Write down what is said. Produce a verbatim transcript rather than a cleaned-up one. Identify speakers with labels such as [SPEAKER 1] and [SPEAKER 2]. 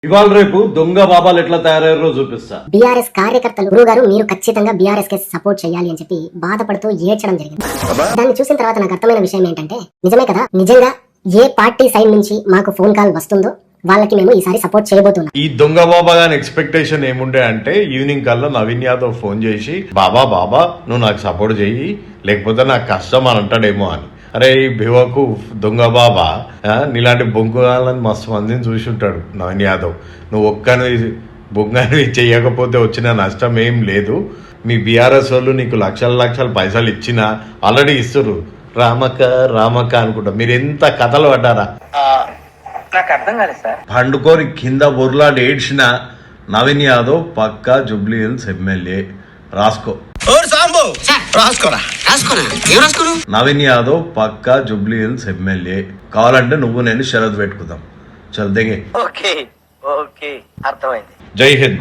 [SPEAKER 1] ఇవాళ రేపు దొంగ బాబాలు ఎట్లా తయారయ్యారో చూపిస్తా.
[SPEAKER 2] బీఆర్ఎస్ కార్యకర్తలు గురువు గారు మీరు ఖచ్చితంగా బీఆర్ఎస్ కి సపోర్ట్ చేయాలి అని చెప్పి బాధపడుతూ ఏడ్చడం జరిగింది. దాన్ని చూసిన తర్వాత నాకు అర్థమైన విషయం ఏంటంటే నిజమే కదా, నిజంగా ఏ పార్టీ సైడ్ నుంచి మాకు ఫోన్ కాల్ వస్తుందో వాళ్ళకి మేము ఈసారి సపోర్ట్ చేయబోతున్నాం.
[SPEAKER 1] ఈ దొంగ బాబా గాని ఎక్స్పెక్టేషన్ ఏముండే అంటే ఈవినింగ్ కల్లా నవీన్ యాదవ్ ఫోన్ చేసి బాబా బాబా నువ్వు నాకు సపోర్ట్ చెయ్యి లేకపోతే నాకు కష్టం అని అంటాడేమో అని. అరే ఈ భివకు దొంగ బాబా నీలాంటి బొంగులని మస్తు మందిని చూసి ఉంటాడు నవీన్ యాదవ్. నువ్వు ఒక్కని బొంగని చెయ్యకపోతే వచ్చిన నష్టం ఏం లేదు. మీ బీఆర్ఎస్ వాళ్ళు నీకు లక్షల లక్షల పైసలు ఇచ్చినా ఆల్రెడీ ఇస్తున్నారు. రామక్క రామక్క అనుకుంటా మీరు ఎంత కథలు పడ్డారా.
[SPEAKER 3] నాకు అర్థం కాలేదు సార్.
[SPEAKER 1] పండుకోని కింద బొర్లాడి ఏడ్చిన నవీన్ యాదవ్ పక్కా జూబ్లీ హిల్స్ ఎమ్మెల్యే. రాసుకో నవీన్ యాదవ్ పక్కా జూబ్లీ హిల్స్ ఎమ్మెల్యే. కావాలంటే నువ్వు నేను షరతు పెట్టుకుందాం. చల్ దిగే.
[SPEAKER 3] ఓకే ఓకే అర్థమైంది.
[SPEAKER 1] జై హింద్.